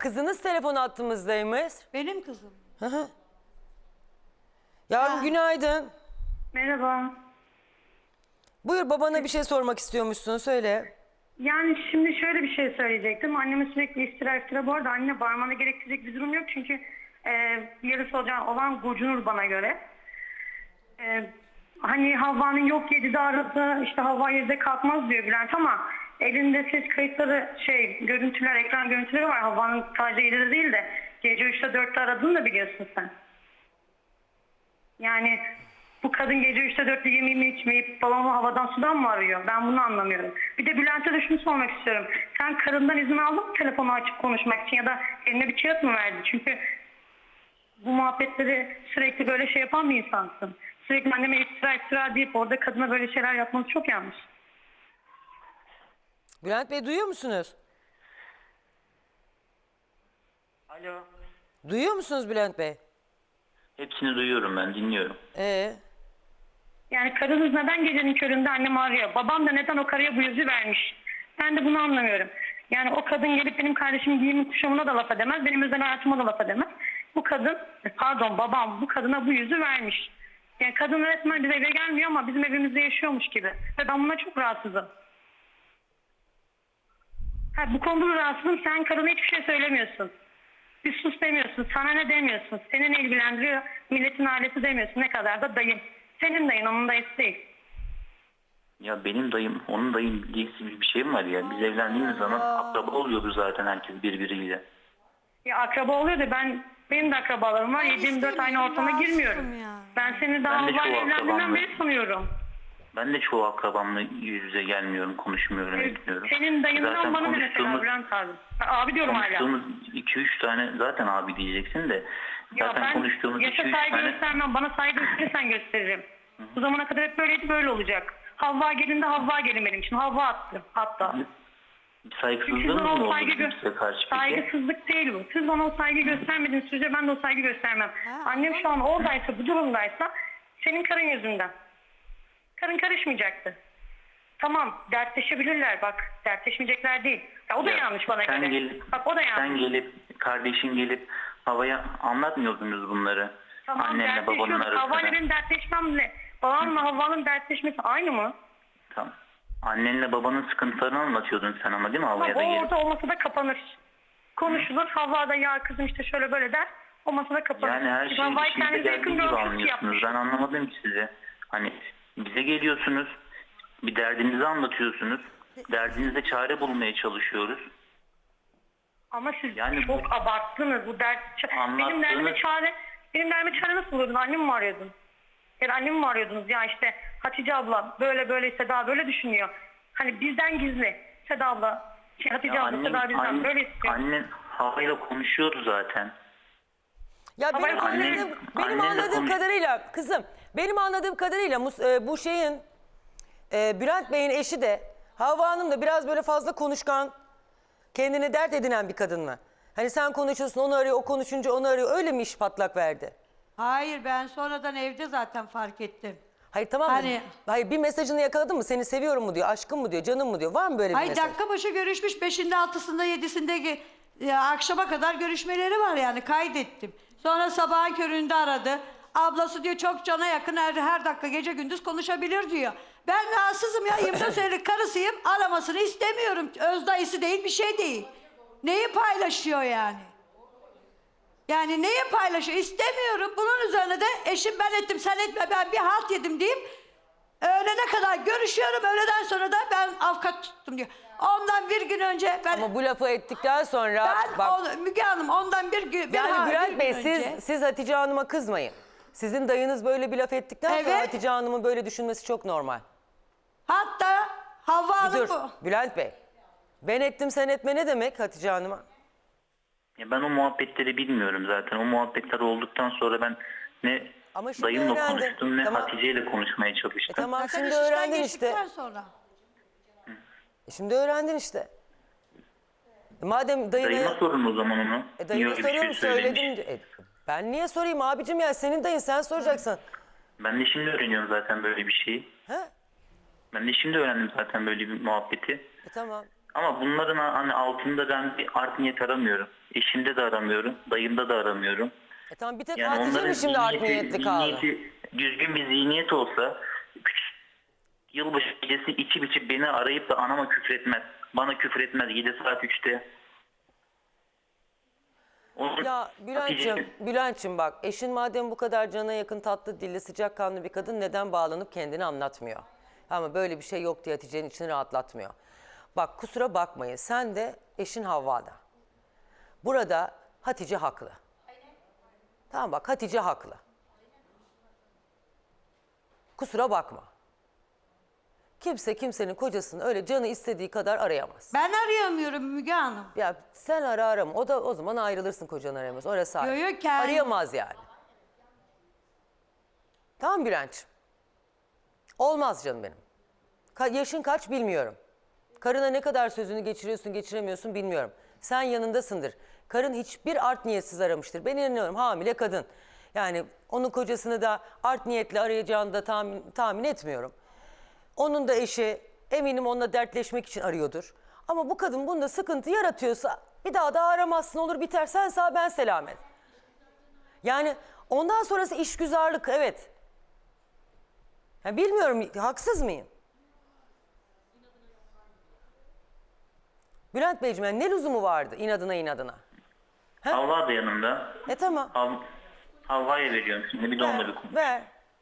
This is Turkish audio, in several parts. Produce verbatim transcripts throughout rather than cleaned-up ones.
kızınız telefon attığımızdaymış. Benim kızım. Hı hı. Yavrum Ha. günaydın. Merhaba. Buyur, babana bir şey sormak istiyormuşsun, söyle. Yani şimdi şöyle bir şey söyleyecektim. Anneme sürekli iftira iftira. Bu arada anne bağırmana gerektirecek bir durum yok. Çünkü e, yarısı olacak olan gocunur bana göre. E, hani Havva'nın yok yedide aradı, işte Havva yedide kalkmaz diyor Bülent ama elinde ses kayıtları, şey görüntüler, ekran görüntüleri var. Havva'nın sadece yedide değil de gece üçte dörtte aradığını da biliyorsun sen. Yani bu kadın gece üçte dörtte yemeğini içmeyip babamı havadan sudan mı arıyor? Ben bunu anlamıyorum. Bir de Bülent'e de şunu sormak istiyorum. Sen karından izin aldın mı telefonu açıp konuşmak için ya da eline bir kağıt mı verdi? Çünkü bu muhabbetleri sürekli böyle şey yapan bir insansın. Sürekli anneme iftira iftira deyip orada kadına böyle şeyler yapması çok yanlış. Bülent Bey, duyuyor musunuz? Alo. Duyuyor musunuz Bülent Bey? Hepsini duyuyorum, ben dinliyorum. Ee, Yani karınız neden gecenin köründe annemi arıyor? Babam da neden o karıya bu yüzü vermiş? Ben de bunu anlamıyorum. Yani o kadın gelip benim kardeşimin giyimi kuşamına da laf edemez, benim özel hayatıma da laf edemez. Bu kadın, pardon babam bu kadına bu yüzü vermiş. Yani kadın resmen bize eve gelmiyor ama bizim evimizde yaşıyormuş gibi. Ve ben buna çok rahatsızım. Ha, bu konuda da rahatsızım. Sen karına hiçbir şey söylemiyorsun. Bir sus demiyorsun, sana ne demiyorsun. Seni ne ilgilendiriyor, milletin ailesi demiyorsun. Ne kadar da dayın. Senin dayın, onun dayısı değil. Ya benim dayım, onun dayım diye bir şey mi var ya? Biz evlendiğimiz zaman akraba oluyordu zaten herkes birbiriyle. Ya akraba oluyor da ben, benim de akrabalarım var. yedi yirmi dört aynı ortama girmiyorum. Ya. Ben seni daha Ben de Havva'yla çoğu evlendiğinden akrabamla- beri sanıyorum. Ben de çoğu akrabamla yüz yüze gelmiyorum, konuşmuyorum, etmiyorum. Senin dayından Zaten bana ne mesela konuştuğumuz- Bülent abi? Ha, abi diyorum hala. Konuştuğumuz iki üç tane zaten abi diyeceksin de. Ya Zaten ben konuştuğumuz iki yaşa üç saygı tane... göstermem. Bana saygı gösterirsen gösteririm. Bu zamana kadar hep böyleydi, böyle olacak. Havva gelin de Havva gelin benim için. Havva attı hatta. Siz Saygısızlığımız bana mı o oldu saygı bizim gö- size karşı peki? saygısızlık değil bu. Siz bana o saygı göstermediğiniz sürece ben de o saygı göstermem. Annem şu an oradaysa, bu durumdaysa senin karın yüzünden. Karın karışmayacaktı. Tamam, dertleşebilirler bak. Dertleşmeyecekler değil. Ya, o da Ya, yanlış bana sen göre. Gelip, Bak o da yanlış. Sen gelip, kardeşin gelip havaya anlatmıyordunuz bunları. Tamam, Annenle babanın dertleşiyorduk. Havva'yla arasında. benim dertleşmemle babamla Havva'nın dertleşmesi aynı mı? Tamam. Annenle babanın sıkıntılarını anlatıyordun sen ama değil mi Tamam, havaya da o gelip? orada o masada kapanır. Konuşulur. Havva da ya kızım işte şöyle böyle der. O masada kapanır. Yani her Biz şeyi Havva'yı işinize kendimize geldiği yakın gibi görmüşüz ki anlıyorsunuz. yapmış. Ben anlamadım ki sizi. Hani bize geliyorsunuz, bir derdinizi anlatıyorsunuz. Derdinize çare bulmaya çalışıyoruz. Ama siz Yani çok bu- abarttınız bu dert. Benim Anlattığınız- derdime çare, benim derdime çare nasıl buluyordun? Annemi mi arıyordun? Ya da annemi mi arıyordunuz? Ya işte Hatice abla böyle böyle Seda böyle düşünüyor. Hani bizden gizli. Seda abla, şey, Hatice Ya abla annem, Seda bizden annem, böyle istiyor. annen havayla konuşuyordu zaten. ya Ama benim annem- anladığım, benim annenle anladığım konuş- kadarıyla kızım, benim anladığım kadarıyla Mus- e, bu şeyin e, Bülent Bey'in eşi de Havva Hanım da biraz böyle fazla konuşkan, kendine dert edinen bir kadın mı? Hani sen konuşuyorsun, onu arıyor, o konuşunca onu arıyor, öyle mi iş patlak verdi? Hayır, ben sonradan evde zaten fark ettim. Hayır tamam mı? Hani- Hayır, bir mesajını yakaladın mı? Seni seviyorum mu diyor, aşkım mı diyor, canım mı diyor. Var mı böyle bir Ay mesaj? dakika başı görüşmüş, beşinde altısında yedisinde ge- ya, akşama kadar görüşmeleri var yani, kaydettim. Sonra sabahın köründe aradı. Ablası diyor çok cana yakın, her, her dakika gece gündüz konuşabilir diyor. Ben rahatsızım ya, yirmi dört senelik karısıyım, aramasını istemiyorum. Öz dayısı değil, bir şey değil. Neyi paylaşıyor yani? Yani neyi paylaşıyor? İstemiyorum. Bunun üzerine de eşim ben ettim sen etme, ben bir halt yedim deyip öğlene kadar görüşüyorum. Öğleden sonra da ben avukat tuttum diyor. Ondan bir gün önce ben... Ama bu lafı ettikten sonra ben bak, o- Müge Hanım ondan bir gün... bir ha- yani bir Bülent gün Bey önce- siz, siz Hatice Hanım'a kızmayın. Sizin dayınız böyle bir laf ettikten sonra Evet. Hatice Hanım'ın böyle düşünmesi çok normal. Hatta Havva Bir Hanım dur bu. Bülent Bey. Ben ettim sen etme ne demek Hatice Hanım'a? Ya ben o muhabbetleri bilmiyorum zaten. O muhabbetler olduktan sonra ben ne Ama şimdi dayımla öğrendin. konuştum ne Tamam. Hatice ile konuşmaya E çalıştım. tamam Zaten şimdi iş işten öğrendin işte. geçtikten sonra. E şimdi öğrendin işte. E madem dayına... Dayıma sorun o zaman onu. E Niye dayına öyle bir şey soruyorum söylemiş? söyledim. E, ben niye sorayım abicim ya, senin dayın, sen soracaksın. Ben de şimdi öğreniyorum zaten böyle bir şeyi. Ha? Ben de şimdi öğrendim zaten böyle bir muhabbeti. E tamam. Ama bunların hani altında ben bir art niyet aramıyorum. Eşimde de aramıyorum. Dayımda da aramıyorum. E tamam bir tek Yani Hatice onların mi şimdi art zihniyeti, niyetli kaldı? zihniyeti düzgün bir zihniyet olsa yılbaşı gecesi içip içip beni arayıp da anama küfretmez. Bana küfretmez yedi saat üçte. Onun Ya Bülent'ciğim, Hatice- Bülent'ciğim bak eşin madem bu kadar cana yakın tatlı dilli sıcakkanlı bir kadın neden bağlanıp kendini anlatmıyor? Ama böyle bir şey yok diye Hatice'nin içini rahatlatmıyor. Bak kusura bakmayın sen de eşin Havva'da. Burada Hatice haklı. Tamam bak Hatice haklı. Kusura bakma. Kimse kimsenin kocasını öyle canı istediği kadar arayamaz. Ben arayamıyorum Müge Hanım. Ya sen ara arama. O da o zaman ayrılırsın kocan arayamaz. Orası ayrı. Yo, yo, kendi- Arayamaz yani. Tamam Bülent'ciğim. Olmaz canım benim. Ka- yaşın kaç bilmiyorum. Karına ne kadar sözünü geçiriyorsun geçiremiyorsun bilmiyorum. Sen yanındasındır. Karın hiçbir art niyetsiz aramıştır. Ben inanıyorum hamile kadın. Yani onun kocasını da art niyetle arayacağını da tahmin, tahmin etmiyorum. Onun da eşi eminim onunla dertleşmek için arıyordur. Ama bu kadın bunda sıkıntı yaratıyorsa bir daha da aramazsın olur biter. Sen sağ ben selamet. Yani ondan sonrası işgüzarlık evet. Ya bilmiyorum haksız mıyım? Bülent Beyciğim yani ne lüzumu vardı inadına inadına? Havva da yanımda. E tamam. Hav Havva'ya veriyorum şimdi bir de onunla bir Ver. konuş. ver.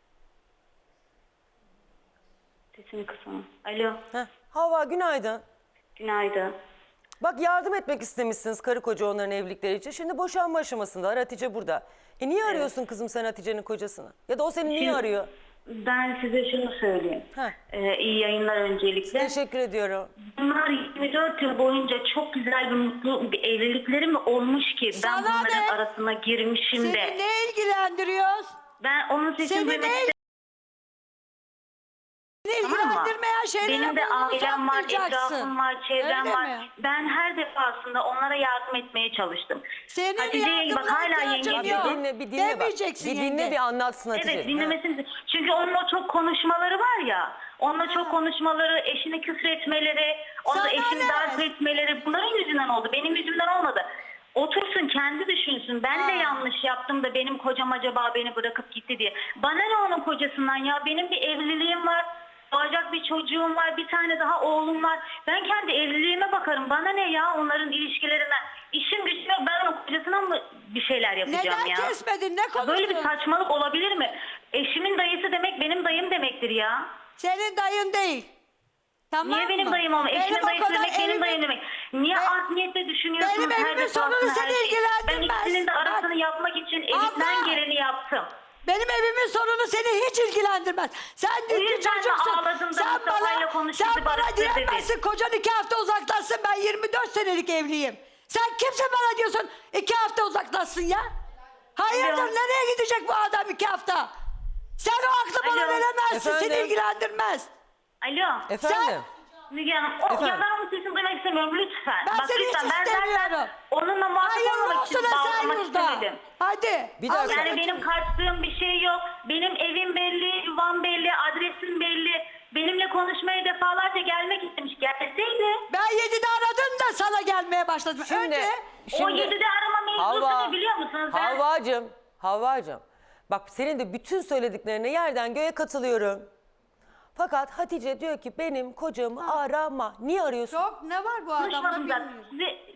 Sesini kısın. Alo. Heh. Havva günaydın. Günaydın. Bak yardım etmek istemişsiniz karı koca onların evlilikleri için. Şimdi boşanma aşamasında Hatice burada. E niye arıyorsun kızım sen Hatice'nin kocasını? Ya da o seni niye Şimdi- arıyor? Ben size şunu söyleyeyim. Heh. Ee, iyi yayınlar öncelikle. Teşekkür ediyorum. Bunlar yirmi dört yıl boyunca çok güzel bir mutlu bir evlilikleri mi olmuş ki ben Sana bunların ne? arasına girmişim Seni de. ne ilgilendiriyor? Ben onun sesini Seni duymak ne istemiyorum. Seni Tamam mı? ilgilendirmeyen şeylere Benim de burnunu ailem var, sokmayacaksın. etrafım var, çevrem Öyle var. mi? Ben her defasında onlara yardım etmeye çalıştım. Senin Hatice'ye bak yardımına hala ihtiyacım yenge Bir yok. diyor. dinle bir dinle bak. Demeyeceksin Bir dinle yenge. bir anlatsın Hatice. Evet Ha. dinlemesini. Çünkü onun o çok konuşmaları var ya. Onunla çok konuşmaları, eşine küfür etmeleri, onu Sana eşini ne? darp etmeleri bunların yüzünden oldu. Benim yüzümden olmadı. Otursun kendi düşünsün. Ben de Ha. yanlış yaptım da benim kocam acaba beni bırakıp gitti diye. Bana ne onun kocasından ya? Benim bir evliliğim var. Doğacak bir çocuğum var. Bir tane daha oğlum var. Ben kendi evliliğime bakarım. Bana ne ya onların ilişkilerinden. İşim gücüm yok. Ben onun kocasına mı bir şeyler yapacağım Neden ya? kesmedin? Ne Ya böyle bir konuştun? saçmalık olabilir mi? Eşimin dayısı demek benim dayım demektir ya. Senin dayın değil. Tamam Niye benim mı? dayım olma? Benim Eşimin o dayısı kadar demek benim evimin- dayım demek. Niye Ben- art niyetle düşünüyorsunuz? Benim her evimin defasında sonunu her seni şeyi? ilgilendirmez. Ben ikisinin de arasını Bak. yapmak için elimden Abla. geleni yaptım. Benim evimin sorunu seni hiç ilgilendirmez. Sen dünkü yüzden de çocuksun. ağladım da Sen Mustafa'yla bana, konuştu, sen bana barıştır dedi. diyemezsin. Kocan iki hafta uzaklaşsın. Ben yirmi dört senelik evliyim. Sen kimse bana diyorsun iki hafta uzaklaşsın ya? Hayırdır Alo. nereye gidecek bu adam iki hafta? Sen o aklı bana Alo. veremezsin. Seni Efendim? ilgilendirmez. Alo. Efendim? Müge Hanım, o, Efendim? ya ben onun sesini duymak istemiyorum lütfen. Ben Bak seni hiç lütfen ben istemiyorum. zaten onunla muhatap Hayırlı olmamak için olsun bağlamak Esenyurt'ta. istemedim. Hadi. Bir dakika. Allah Yani için. benim kaçtığım bir şey yok. Benim evim belli, yuvam belli, adresim belli. Benimle konuşmaya defalarca gelmek istemiş. Gelseydi. Ben yedide aradım da sana gelmeye başladım. Şimdi, Önce O şimdi yedide arama mevzusu Havva, ne biliyor musunuz? Ben- Havvacığım, Havvacığım. Bak senin de bütün söylediklerine yerden göğe katılıyorum. Fakat Hatice diyor ki benim kocamı arama. Niye arıyorsun? çok ne var bu adamda Konuşmadım da. bilmiyorum. Size-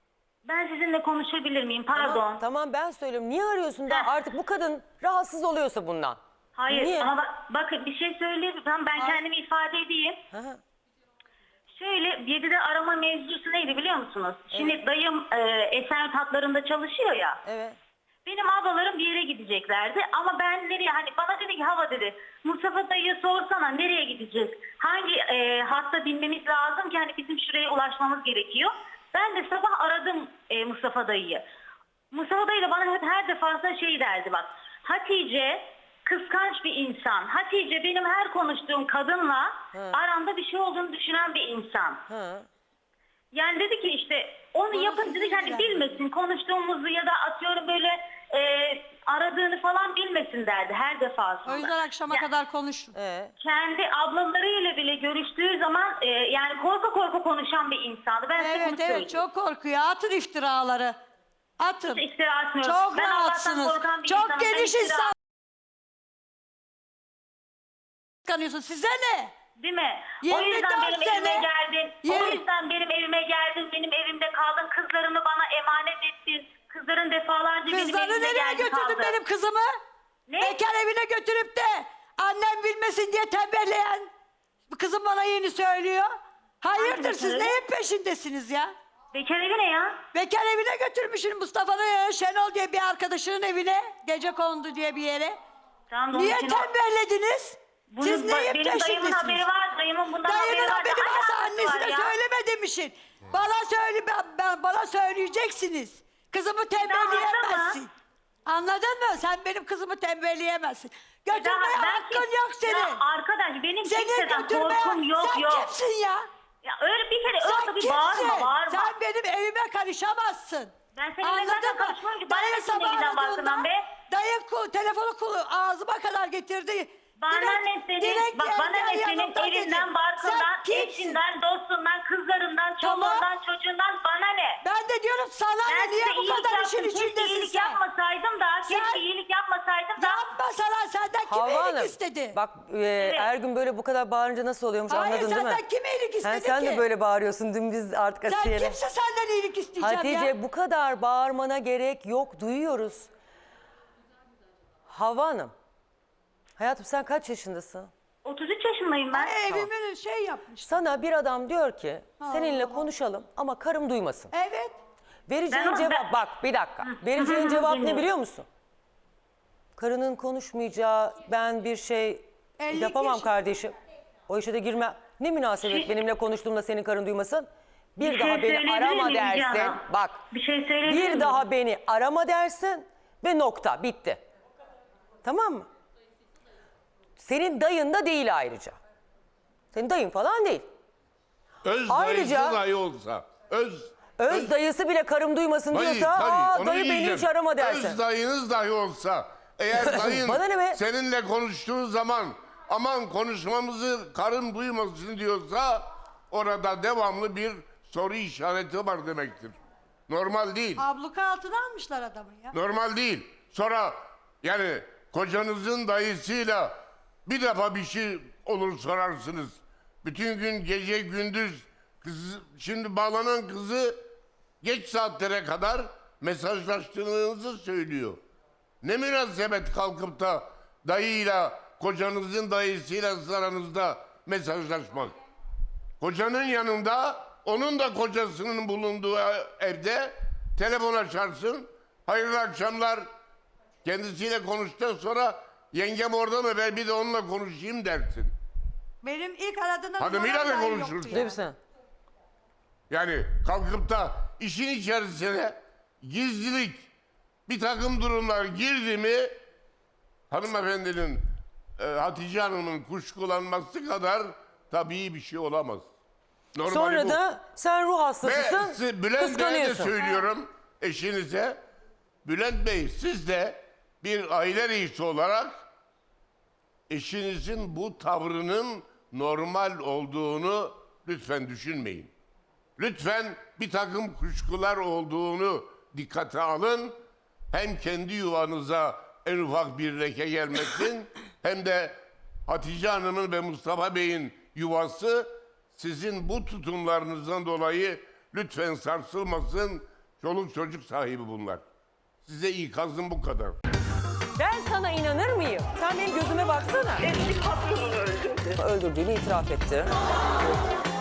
Ben sizinle konuşabilir miyim? Pardon. Tamam, tamam ben söylüyorum. Niye arıyorsun da Heh. artık bu kadın rahatsız oluyorsa bundan? Hayır Niye? ama bak, bakın bir şey söyleyeyim. Tamam ben kendimi ifade edeyim. Hı hı. Şöyle yedide arama mevzusu neydi biliyor musunuz? Şimdi dayım e, Esenyurt hatlarında çalışıyor ya. Evet. Benim ablalarım bir yere gideceklerdi ama ben nereye hani bana dedi ki hava dedi Mustafa dayıya sorsana nereye gideceğiz? Hangi e, hatta binmemiz lazım ki hani bizim şuraya ulaşmamız gerekiyor. Ben de sabah aradım e, Mustafa dayıyı. Mustafa dayı da bana hep her defasında şey derdi bak. Hatice kıskanç bir insan. Hatice benim her konuştuğum kadınla Hı. aramda bir şey olduğunu düşünen bir insan. Hı. Yani dedi ki işte onu Bana yapın siz dedi ki hani ilgilendirin. bilmesin konuştuğumuzu ya da atıyorum böyle e, aradığını falan bilmesin derdi her defasında. O yüzden akşama Ya- kadar konuştum. Ee, Kendi ablalarıyla bile görüştüğü zaman e, yani korku korku konuşan bir insandı. Ben size bunu Evet söyleyeyim. evet çok korkuyor. Atın iftiraları. Atın. İftira atmıyorum. Çok Ben Allah'tan rahatsınız. korkan bir Çok insanım. Ben geniş iftira- insan. Kanıyorsun. Size ne? Değil mi? O yirmi yüzden dört benim sene- evime geldin. O Yirmi- yüzden benim evime geldin. Benim evimde kaldın. Kızlarını bana emanet ettin. Kızların defalarca benim Kızları evime nereye geldi götürdün kaldı. benim kızımı? Ne? Bekar evine götürüp de annem bilmesin diye tembelleyen kızım bana yeni söylüyor. Hayırdır Hangi siz bekar evi? neyin peşindesiniz ya? Bekar evi ne ya? Bekar evine götürmüşsün Mustafa'nın Şenol diye bir arkadaşının evine. Gece kondu diye bir yere. Tamam, da onun Niye için o- tembellediniz? Bunun Siz ba- neyin benim dayımın peşindesiniz? haberi var. Dayımın bundan Dayının haberi var. haberi Ne varsa alakası var annesine ya? söyleme demişsin. Bana söyle ben, ben- bana söyleyeceksiniz. Kızımı tembelleyemezsin. Anladın mı? Sen benim kızımı tembelleyemezsin. Götürmeye Daha ben hakkın kim- yok senin. Ya arkadaş benim Senin kimseden götürmeye korkum yok sen yok. kimsin ya? Ya öyle bir kere Sen öyle bir kimsin? bağırma bağırma. Sen benim evime karışamazsın. Ben senin Anladın evine zaten mı? karışmıyorum ki. Bana Dayı ne senin sabah evinden aradığında baktığından be? Dayı kul, telefonu kulu ağzıma kadar getirdi. Bana Direkt- ne senin, direkt bak bana geldi, ne senin yanımda dedi. evinden, barkından, Sen kimsin? eşinden, dostundan, kızlarından, Tamam. çoluğundan, çocuğundan bana ne? Ben de diyorum sana Ben ne? Niye size bu iyilik kadar işin yaptım. Keşke içindesin iyilik sen? yapmasaydım da, Sen- keşke iyilik yapmasaydım da. Yapma sana senden kim Havva iyilik Hanım, istedi? bak e, her gün böyle bu kadar bağırınca nasıl oluyormuş Hayır, anladın değil mi? senden kim iyilik istedi Ha, sen ki? de böyle bağırıyorsun dün biz artık Sen Asiye'yle. kimse senden iyilik isteyeceğim Hatice ya. bu kadar bağırmana gerek yok, duyuyoruz. Havva Hanım, hayatım sen kaç yaşındasın? otuz üç yaşındayım ben. Ay, evimin şey yapmış. Sana bir adam diyor ki seninle konuşalım ama karım duymasın. Evet. Vereceğin Ben onu- cevap ben- bak bir dakika. Vereceğin cevap ne dinliyorum. biliyor musun? Karının konuşmayacağı ben bir şey elli yapamam yaş- kardeşim. O işe de girme. Ne münasebet benimle konuştuğumda senin karın duymasın? Bir, Bir daha şey beni söyleyebilir arama miyim Müge dersin. Hanım? Bak. Bir şey söyleyebilir Bir miyim? daha beni arama dersin ve nokta bitti. Tamam mı? Senin dayın da değil ayrıca. Senin dayın falan değil. Öz Ayrıca- dayısı dahi olsa. Öz, Öz dayısı bile karım duymasın Dayı, diyorsa tabii, aa onu dayı beni diyeceğim. hiç arama dersin. Öz dayınız dahi olsa. Eğer dayın Bana ne be? seninle konuştuğu zaman aman konuşmamızı karın duymasın diyorsa orada devamlı bir soru işareti var demektir. Normal değil. Abluka altına almışlar adamı ya. Normal değil. Sonra yani kocanızın dayısıyla bir defa bir şey olur sorarsınız. Bütün gün gece gündüz kız, şimdi bağlanan kızı geç saatlere kadar mesajlaştığınızı söylüyor. Ne münasebet kalkıp da dayıyla kocanızın dayısıyla aranızda mesajlaşmak. Kocanın yanında onun da kocasının bulunduğu evde telefon açarsın. Hayırlı akşamlar. Kendisiyle konuştuktan sonra yengem orada mı ben bir de onunla konuşayım dersin. Benim ilk aradığında Hanımıyla da numaram dahi konuşursun. yoktu Değil ya. misin? Yani kalkıp da işin içerisine gizlilik bir takım durumlar girdi mi hanımefendinin e, Hatice Hanım'ın kuşkulanması kadar tabii bir şey olamaz. Normali Sonra bu. da sen ruh Ve hastasısın, siz- Bülent Bey'e de kıskanıyorsun. söylüyorum eşinize. Bülent Bey siz de bir aile reisi olarak eşinizin bu tavrının normal olduğunu lütfen düşünmeyin. Lütfen bir takım kuşkular olduğunu dikkate alın. Hem kendi yuvanıza en ufak bir leke gelmesin hem de Hatice Hanım'ın ve Mustafa Bey'in yuvası sizin bu tutumlarınızdan dolayı lütfen sarsılmasın. Çoluk çocuk sahibi bunlar. Size ikazım bu kadar. Ben sana inanır mıyım? Sen benim gözüme baksana. Eski patronunu öldürdü. Öldürdüğünü itiraf etti.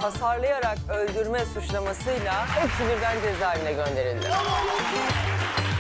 Hasarlayarak öldürme suçlamasıyla hepsi birden cezaevine gönderildi.